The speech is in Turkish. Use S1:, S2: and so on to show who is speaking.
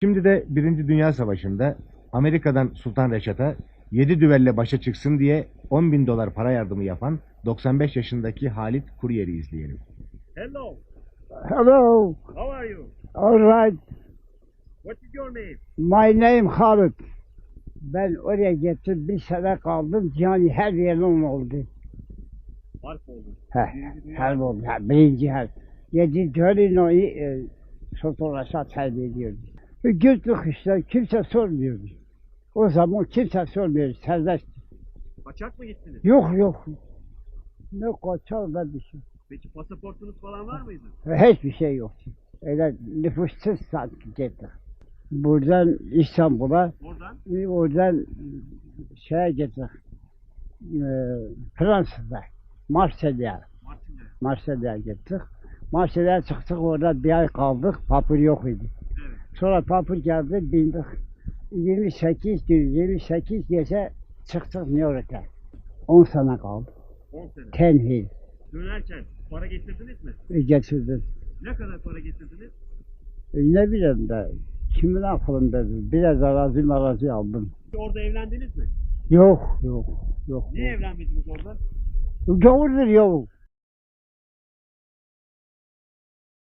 S1: Şimdi de Birinci Dünya Savaşı'nda Amerika'dan Sultan Reşat'a 7 düvelle başa çıksın diye 10.000 dolar para yardımı yapan 95 yaşındaki Halit Kuryer'i izleyelim.
S2: Hello,
S3: Hello.
S2: how are you?
S3: All right.
S2: What is your name?
S3: My name Halit. Ben oraya gittim. Bir sene kaldım. Yani her yerim oldu.
S2: Harp oldu.
S3: Her oldu. Birinci her. Yedi Torino'yu Sultan Reşat ediyordu. Güldük işte. Kimse sormuyordu. O zaman kimse sormuyordu. Serbest.
S2: Kaçak mı gittiniz?
S3: Yok. Ne kaçar ne bir şey.
S2: Peki pasaportunuz falan var mıydı?
S3: Hiçbir şey yoktu. Öyle nüfussuz gittik. Buradan İstanbul'a, oradan şeye gittik. Fransa'da, Marsilya'ya gittik. Marsilya'ya çıktık, orada bir ay kaldık, papır yok idi.
S2: Evet.
S3: Sonra papır geldi, bindik. 28 gece çıktık New York'a. 10 sene kaldı.
S2: 10 sene.
S3: Tenhil
S2: Dönerken para getirdiniz mi?
S3: getirdim.
S2: Ne kadar para getirdiniz?
S3: Ne bileyim de, kimin aklındadır? Biraz arazi aldım.
S2: Orada evlendiniz mi?
S3: Yok.
S2: Niye evlenmediniz orada?
S3: Gavurdur yok.